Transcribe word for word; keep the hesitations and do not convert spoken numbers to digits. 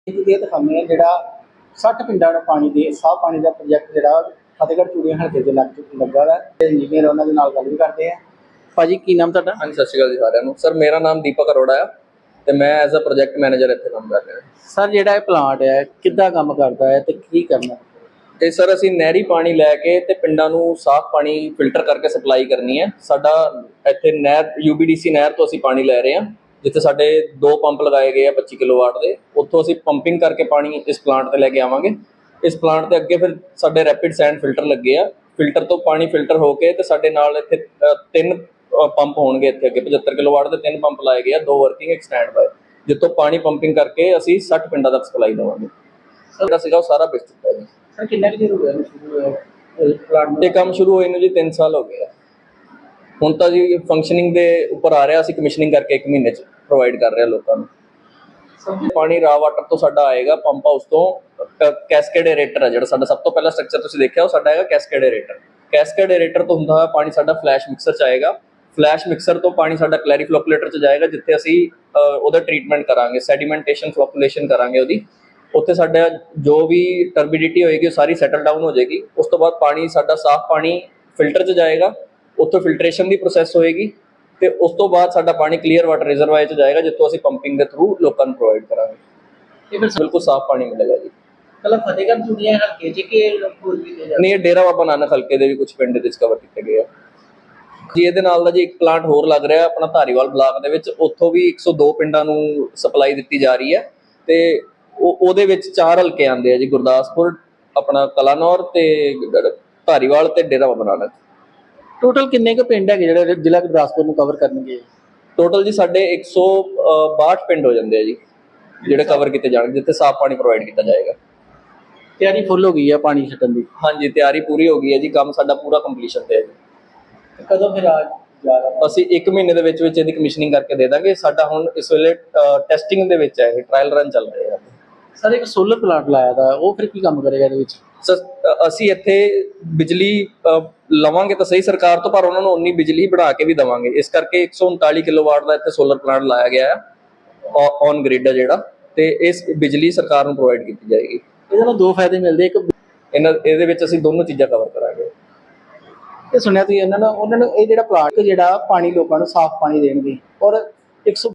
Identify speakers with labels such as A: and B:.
A: ਇਹ ਦਿਖਾਉਂਦੇ ਆ ਜਿਹੜਾ ਸੱਠ ਪਿੰਡਾਂ ਨੂੰ ਪਾਣੀ ਦੇ ਸਾਫ ਪਾਣੀ ਦਾ ਪ੍ਰੋਜੈਕਟ ਜਿਹੜਾ ਫਤਿਹਗੜ੍ਹ ਚੂੜੀਆਂ ਹਲਕੇ ਦੇ ਲੱਗ ਲੱਗਾ ਵਾ ਤੇ ਇੰਜੀਨੀਅਰ ਉਹਨਾਂ ਦੇ ਨਾਲ ਗੱਲ ਵੀ ਕਰਦੇ ਆ। ਭਾਜੀ ਕੀ ਨਾਮ ਤੁਹਾਡਾ?
B: ਹਾਂਜੀ, ਸਤਿ ਸ਼੍ਰੀ ਅਕਾਲ ਜੀ ਸਾਰਿਆਂ ਨੂੰ। ਸਰ ਮੇਰਾ ਨਾਮ ਦੀਪਕ ਅਰੋੜਾ ਆ ਤੇ ਮੈਂ ਐਜ਼ ਅ ਪ੍ਰੋਜੈਕਟ ਮੈਨੇਜਰ ਇੱਥੇ ਕੰਮ ਕਰ ਰਿਹਾ।
A: ਸਰ ਜਿਹੜਾ ਇਹ ਪਲਾਂਟ ਹੈ ਕਿੱਦਾਂ ਕੰਮ ਕਰਦਾ ਹੈ ਤੇ ਕੀ ਕਰਨਾ?
B: ਤੇ ਸਰ ਅਸੀਂ ਨਹਿਰੀ ਪਾਣੀ ਲੈ ਕੇ ਤੇ ਪਿੰਡਾਂ ਨੂੰ ਸਾਫ਼ ਪਾਣੀ ਫਿਲਟਰ ਕਰਕੇ ਸਪਲਾਈ ਕਰਨੀ ਹੈ। ਸਾਡਾ ਇੱਥੇ ਨਹਿਰ ਯੂਬੀਡੀਸੀ ਨਹਿਰ ਤੋਂ ਅਸੀਂ ਪਾਣੀ ਲੈ ਰਹੇ ਹਾਂ, ਜਿੱਥੇ ਸਾਡੇ ਦੋ ਪੰਪ ਲਗਾਏ ਗਏ ਆ ਪੱਚੀ ਕਿਲੋਵਾਟ ਦੇ। ਉੱਥੋਂ ਅਸੀਂ ਪੰਪਿੰਗ ਕਰਕੇ ਪਾਣੀ ਇਸ ਪਲਾਂਟ ਤੇ ਲੈ ਕੇ ਆਵਾਂਗੇ। ਇਸ ਪਲਾਂਟ ਤੇ ਅੱਗੇ ਫਿਰ ਸਾਡੇ ਰੈਪਿਡ ਸੈਂਡ ਫਿਲਟਰ ਲੱਗੇ ਆ। ਫਿਲਟਰ ਤੋਂ ਪਾਣੀ ਫਿਲਟਰ ਹੋ ਕੇ ਤੇ ਸਾਡੇ ਨਾਲ ਇੱਥੇ ਤਿੰਨ ਪੰਪ ਹੋਣਗੇ। ਇੱਥੇ ਅੱਗੇ ਪਝੱਤਰ ਕਿਲੋਵਾਟ ਦੇ ਤਿੰਨ ਪੰਪ ਲਾਏ ਗਏ ਆ, ਦੋ ਵਰਕਿੰਗ ਇੱਕ ਸਟੈਂਡ ਬਾਏ, ਜਿੱਥੋਂ ਪਾਣੀ ਪੰਪਿੰਗ ਕਰਕੇ ਅਸੀਂ ਸੱਠ ਪਿੰਡਾਂ ਤੱਕ ਸਪਲਾਈ ਦੇਵਾਂਗੇ। ਜਿਹੜਾ ਸੀਗਾ ਉਹ ਸਾਰਾ ਵਿਕ ਚੁੱਕਾ ਜੀ।
A: ਸਰ ਕਿੰਨਾ ਕੁ ਚਿਰ ਹੋ ਗਿਆ ਸ਼ੁਰੂ ਹੋਇਆ ਪਲਾਂਟ
B: ਇਹ ਕੰਮ ਸ਼ੁਰੂ ਹੋਏ ਨੂੰ ਜੀ ਤਿੰਨ ਸਾਲ ਹੋ ਗਏ ਆ। ਹੁਣ ਤਾਂ ਜੀ ਫੰਕਸ਼ਨਿੰਗ ਦੇ ਉੱਪਰ ਆ ਰਿਹਾ। ਅਸੀਂ ਕਮਿਸ਼ਨਿੰਗ ਕਰਕੇ ਇੱਕ ਮਹੀਨੇ 'ਚ ਪ੍ਰੋਵਾਈਡ ਕਰ ਰਹੇ ਹਾਂ ਲੋਕਾਂ ਨੂੰ। ਪਾਣੀ ਰਾ ਵਾਟਰ ਤੋਂ ਸਾਡਾ ਆਏਗਾ ਪੰਪ ਹਾਊਸ ਤੋਂ। ਕੈਸਕੇਡ ਏਰੇਟਰ ਹੈ ਜਿਹੜਾ ਸਾਡਾ ਸਭ ਤੋਂ ਪਹਿਲਾ ਸਟਰਕਚਰ ਤੁਸੀਂ ਦੇਖਿਆ, ਉਹ ਸਾਡਾ ਹੈਗਾ ਕੈਸਕੇਡ ਏਰੇਟਰ। ਕੈਸਕੇਡ ਏਰੇਟਰ ਤੋਂ ਹੁੰਦਾ ਹੋਇਆ ਪਾਣੀ ਸਾਡਾ ਫਲੈਸ਼ ਮਿਕਸਰ 'ਚ ਆਏਗਾ। ਫਲੈਸ਼ ਮਿਕਸਰ ਤੋਂ ਪਾਣੀ ਸਾਡਾ ਕਲੈਰੀ ਫਲੋਕੂਲੇਟਰ 'ਚ ਜਾਏਗਾ, ਜਿੱਥੇ ਅਸੀਂ ਉਹਦਾ ਟ੍ਰੀਟਮੈਂਟ ਕਰਾਂਗੇ, ਸੈਡੀਮੈਂਟੇਸ਼ਨ ਫਲੋਕੂਲੇਸ਼ਨ ਕਰਾਂਗੇ ਉਹਦੀ। ਉੱਥੇ ਸਾਡਾ ਜੋ ਵੀ ਟਰਬਿਡਿਟੀ ਹੋਏਗੀ ਉਹ ਸਾਰੀ ਸੈਟਲ ਡਾਊਨ ਹੋ ਜਾਏਗੀ। ਉਸ ਤੋਂ ਬਾਅਦ ਪਾਣੀ ਸਾਡਾ ਸਾਫ਼ ਪਾਣੀ ਫਿਲਟਰ 'ਚ ਜਾਏਗਾ, ਉੱਥੋਂ ਫਿਲਟਰੇਸ਼ਨ ਦੀ ਪ੍ਰੋਸੈਸ ਹੋਏਗੀ ਤੇ ਉਸ ਤੋਂ ਬਾਅਦ ਸਾਡਾ ਪਾਣੀ ਕਲੀਅਰ ਵਾਟਰ ਰਿਜ਼ਰਵਾਇਰ 'ਚ ਜਾਏਗਾ, ਜਿੱਥੋਂ ਅਸੀਂ ਪੰਪਿੰਗ ਦੇ ਥਰੂ ਲੋਕਾਂ ਨੂੰ ਪ੍ਰੋਵਾਈਡ ਕਰਾਂਗੇ। ਇਹ ਫਿਰ ਬਿਲਕੁਲ ਸਾਫ਼ ਪਾਣੀ ਮਿਲੇਗਾ ਜੀ।
A: ਕੱਲਾ ਫਤਿਹਗੜ੍ਹ ਚੂੜੀਆਂ ਹਲਕੇ 'ਚ ਕਿ ਹੋਰ ਵੀ ਨੇ?
B: ਨਹੀਂ, ਇਹ ਡੇਰਾ ਬਾਬਾ ਨਾਨਕ ਹਲਕੇ ਦੇ ਵੀ ਕੁਝ ਪਿੰਡ ਦੇ ਵਿੱਚ ਕਵਰ ਕੀਤੇ ਗਏ ਆ ਜੀ। ਇਹਦੇ ਨਾਲ ਦਾ ਜੀ ਇੱਕ ਪਲਾਂਟ ਹੋਰ ਲੱਗ ਰਿਹਾ ਆਪਣਾ ਧਾਰੀਵਾਲ ਬਲਾਕ ਦੇ ਵਿੱਚ। ਉੱਥੋਂ ਵੀ ਇੱਕ ਸੌ ਦੋ ਪਿੰਡਾਂ ਨੂੰ ਸਪਲਾਈ ਦਿੱਤੀ ਜਾ ਰਹੀ ਹੈ ਤੇ ਉਹ ਉਹਦੇ ਵਿੱਚ ਚਾਰ ਹਲਕੇ ਆਉਂਦੇ ਆ ਜੀ, ਗੁਰਦਾਸਪੁਰ, ਆਪਣਾ ਕਲਾਨੌਰ ਤੇ ਧਾਰੀਵਾਲ ਤੇ ਡੇਰਾ ਬਾਬਾ ਨਾਨਕ।
A: ਟੋਟਲ ਕਿੰਨੇ ਕੁ ਪਿੰਡ ਹੈਗੇ ਜਿਹੜੇ ਜ਼ਿਲ੍ਹਾ ਗੁਰਦਾਸਪੁਰ ਨੂੰ ਕਵਰ ਕਰਨਗੇ?
B: ਟੋਟਲ ਜੀ ਸਾਡੇ ਇੱਕ ਸੌ ਬਾਹਠ ਪਿੰਡ ਹੋ ਜਾਂਦੇ ਆ ਜੀ, ਜਿਹੜੇ ਕਵਰ ਕੀਤੇ ਜਾਣਗੇ, ਜਿੱਥੇ ਸਾਫ਼ ਪਾਣੀ ਪ੍ਰੋਵਾਈਡ ਕੀਤਾ ਜਾਏਗਾ।
A: ਤਿਆਰੀ ਫੁੱਲ ਹੋ ਗਈ ਆ ਪਾਣੀ ਛੱਡਣ ਦੀ?
B: ਹਾਂਜੀ, ਤਿਆਰੀ ਪੂਰੀ ਹੋ ਗਈ ਹੈ ਜੀ। ਕੰਮ ਸਾਡਾ ਪੂਰਾ ਕੰਪਲੀਸ਼ਨ ਤੇ ਹੈ ਜੀ।
A: ਕਦੋਂ ਫਿਰ ਆ ਜਾ ਰਿਹਾ?
B: ਅਸੀਂ ਇੱਕ ਮਹੀਨੇ ਦੇ ਵਿੱਚ ਵਿੱਚ ਇਹਦੀ ਕਮਿਸ਼ਨਿੰਗ ਕਰਕੇ ਦੇ ਦਾਂਗੇ। ਸਾਡਾ ਹੁਣ ਇਸ ਵੇਲੇ ਟੈਸਟਿੰਗ ਦੇ ਵਿੱਚ ਹੈ, ਇਹ ਟ੍ਰਾਇਲ ਰਨ ਚੱਲ ਰਹੇ ਆ।
A: ਸਰ ਇੱਕ ਸੋਲਰ ਪਲਾਂਟ ਲਾਇਆ ਦਾ, ਉਹ ਫਿਰ ਕੀ ਕੰਮ ਕਰੇਗਾ ਇਹਦੇ ਵਿੱਚ?
B: ਸਰ ਅਸੀਂ ਇੱਥੇ ਬਿਜਲੀ ਲਵਾਂਗੇ ਤਾਂ ਸਹੀ ਸਰਕਾਰ ਤੋਂ, ਪਰ ਉਹਨਾਂ ਨੂੰ ਉਨੀ ਬਿਜਲੀ ਬਣਾ ਕੇ ਵੀ ਦੇਵਾਂਗੇ। ਇਸ ਕਰਕੇ ਇੱਕ ਸੌ ਉਨਤਾਲੀ ਕਿਲੋਵਾਟ ਦਾ ਇੱਥੇ ਸੋਲਰ ਪਲਾਂਟ ਲਾਇਆ ਗਿਆ ਹੈ ਔਨ ਗ੍ਰਿਡ ਹੈ ਜਿਹੜਾ, ਤੇ ਇਸ ਬਿਜਲੀ ਸਰਕਾਰ ਨੂੰ ਪ੍ਰੋਵਾਈਡ ਕੀਤੀ ਜਾਏਗੀ।
A: ਇਹਦੇ ਨਾਲ ਦੋ ਫਾਇਦੇ ਮਿਲਦੇ। ਇੱਕ
B: ਇਹਨਾਂ ਇਹਦੇ ਵਿੱਚ ਅਸੀਂ ਦੋਨੋਂ ਚੀਜ਼ਾਂ ਕਵਰ ਕਰਾਂਗੇ।
A: ਇਹ ਸੁਣਿਆ ਤੁਸੀਂ ਇਹਨਾਂ ਨੂੰ ਉਹਨਾਂ ਨੂੰ ਇਹ ਜਿਹੜਾ ਪਲਾਂਟ ਜਿਹੜਾ ਪਾਣੀ ਲੋਕਾਂ ਨੂੰ ਸਾਫ਼ ਪਾਣੀ ਦੇਣਗੇ, ਔਰ ਇੱਕ ਸੌ